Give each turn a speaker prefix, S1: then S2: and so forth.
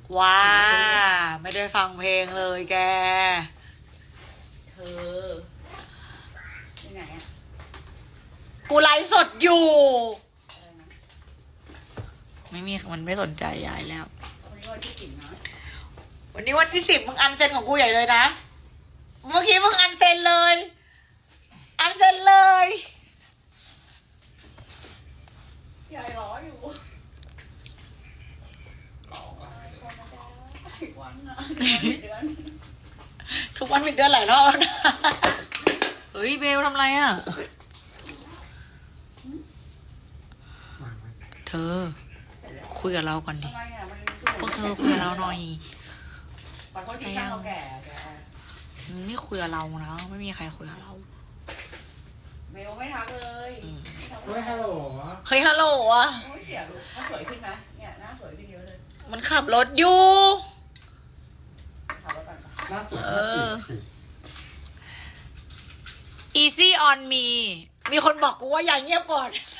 S1: ว้าไม่ได้ฟังเพลงเลยแก
S2: เธอที่ไหนอ่ะ
S1: กูไลฟ์สดอยู่
S2: อะไรนะ
S1: ไม่มีมันไม่สนใจยายแล้ว
S2: วันนี้วันที่10นะ
S1: วันนี้วันที่10มึงอันเซ็นของกูใหญ่เลยนะเมื่อกี้มึงอันเซ็นเลยอันเซ็นเลย
S2: ยายร้ออยู่ทุกวันนะเดือน
S1: ทุกวันมีเดือนหลายรอบแล้วนะเฮ้ยเบลทำไรอ่ะเธอคุยกับเราก่อนดิพวกเธอคุยกับเราหน่อย
S2: บางคนที่ข้าวแก่แก
S1: ไม่คุยกับเรานะไม่มีใครคุยกับเรา
S2: เมลไม่ทักเลย
S3: เฮ้ยฮัลโหล
S1: เฮ้ยฮัลโหลอ่ะ
S2: โอ้ยเสียลูกหน้าสวยขึ้นไหมเนี่ยหน้าสวยขึ้นเยอะเลย
S1: มันขับรถอยู่
S2: ขับรถก่อน
S3: ล่าสุดน่าจีบสิ
S1: easy on me มีคนบอกกูว่าอย่าเงียบก่อน